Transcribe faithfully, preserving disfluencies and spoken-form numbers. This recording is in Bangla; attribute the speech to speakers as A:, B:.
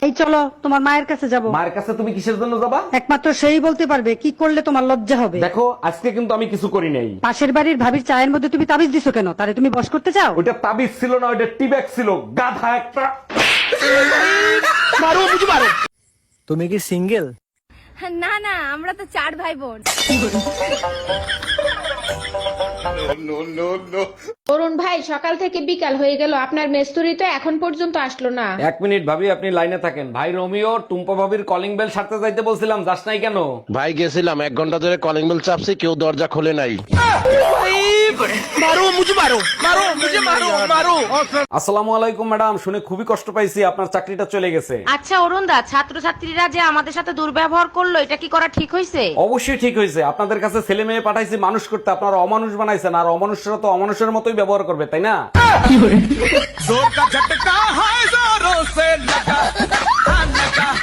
A: এই চলো তোমার মায়ের কাছে যাব।
B: মায়ের কাছে তুমি কিসের জন্য যাবা?
A: একমাত্র সেই বলতে পারবে কি করলে তোমার লজ্জা হবে।
B: দেখো আজকে কিন্তু আমি কিছু করি নাই।
A: পাশের বাড়ির ভাবির চায়ের মধ্যে তুমি তাবিজ দিছো কেন? তারে তুমি বশ করতে চাও?
B: ওইটা তাবিজ ছিল না, ওইটা টিব্যাগ ছিল, গাধা একটা।
C: তুমি কি সিঙ্গেল?
D: না না, আমরা তো চার ভাই বোন।
E: অরুণ ভাই, সকাল থেকে বিকাল হয়ে গেল, আপনার মেস্তুরি তো এখন পর্যন্ত আসলো না।
B: এক মিনিট ভাবি, আপনি লাইনে থাকেন। ভাই রোমিও, টুম্পা ভাবির কলিং বেল সারতে যাইতে বলছিলাম, যাস নাই কেন?
F: ভাই গেছিলাম, এক ঘন্টা ধরে কলিং বেল চাপছি, কেউ দরজা খোলে নাই।
B: আসসালামু আলাইকুম ম্যাডাম, শুনে খুবই কষ্ট পাইছি, আপনার চাকরিটা চলে গেছে।
G: আচ্ছা অরুণ দা, ছাত্রছাত্রীরা যে আমাদের সাথে দুর্ব্যবহার করলো, এটা কি করা ঠিক হয়েছে?
B: অবশ্যই ঠিক হয়েছে। আপনাদের কাছে ছেলে মেয়ে পাঠাইছি মানুষ করতে, আপনারা অমানুষ বানাইছেন, আর অমানুষরা তো অমানুষের মতোই ব্যবহার করবে, তাই না?